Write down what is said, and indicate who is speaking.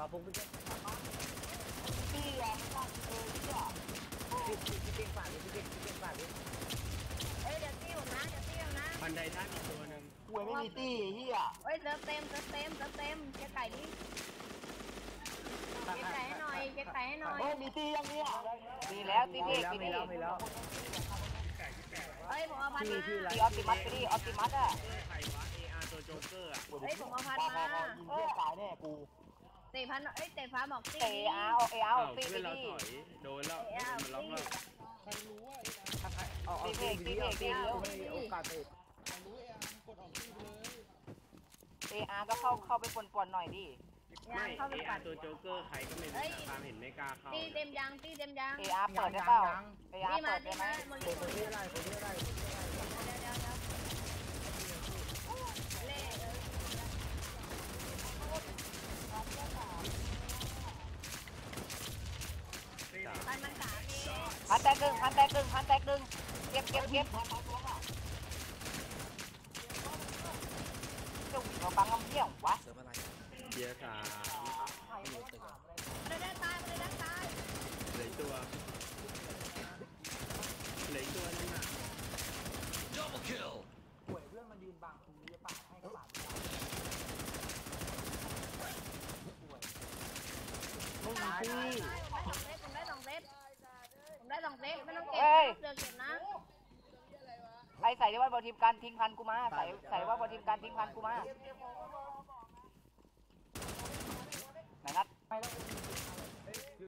Speaker 1: ผมเป็น
Speaker 2: พี่อ่ะไม่ต้องเลย
Speaker 1: พี่เก่งฝากเลยพี่เก่งฝากเลย
Speaker 3: เฮ้ยเดี๋ยวตี้ผมนะเดี๋ยวตี้ผมนะ
Speaker 4: บันไดท่านอีกตัวหนึ่ง
Speaker 2: หวยไม่มีตี้เฮีย
Speaker 3: เฮ้ยเติมเต็มเจ๊ไก่ดิเจ๊ไก่ให้หน่อยเจ๊ไก่ให้หน่อย
Speaker 2: เฮ้ยมีตี้ยังเนี่ยมีแล้วตี้เด็กมีตี้
Speaker 1: มีแล้ว
Speaker 3: เฮ้ยผมเอาพันมา
Speaker 2: มีออปติมัสตี้ออปติมัสอ่ะ
Speaker 4: ใครวะ AR ตัวโจ๊กเกอร์อ่ะ
Speaker 3: เฮ้ยผมเอาพันมา
Speaker 2: ยิงเพื่อนตายแน่กู
Speaker 3: เตะพันเอ้ยเตะฟ้าบอกตี้
Speaker 2: เตะเอาตี้
Speaker 4: เพื่อนเรา
Speaker 2: ตี้
Speaker 4: ถอยโดนแล้วมันล็อกแล้ว
Speaker 5: ใครรู้ว่า
Speaker 1: เอาตีโอกาสเตะ
Speaker 5: ใครรู้กดออกที่เลย
Speaker 2: ก็เข้าไปปนๆหน่อยดิ
Speaker 4: ไม่
Speaker 3: เข้าไปปั
Speaker 4: AR
Speaker 3: ด
Speaker 4: ตัวโจ๊กเกอร์ใครก็ไม่รู้ตามเห็นไม่กล้าเข้า
Speaker 3: ตี้เต็มยัง
Speaker 2: เปิดได้เปล่าเปิดได้ไหม
Speaker 3: มัน
Speaker 1: คนที่อะไรคนที่อะไร
Speaker 3: เดี๋ยวเล่พันมันสามเอง
Speaker 2: พันแตกดึงเก็บจะวิ่งมาบังน้ำเที่ยววะ
Speaker 4: เบียร์สาม
Speaker 3: มันได้ตาย
Speaker 4: เหลือตัวนึงอ่ะ
Speaker 1: หวยเพื่อนมันยืนบังตรงนี้ปะให้กระบาดไม่มีตี้
Speaker 3: ผมได้สองเซตไม่ต้องเก็บเดือเก็บนะ
Speaker 2: ไอ้ใส่ได้ว่าบอทีมการทิ้งพันกูมาใส่ว่าบอทีมการทิ้งพันกูมาไหนนัด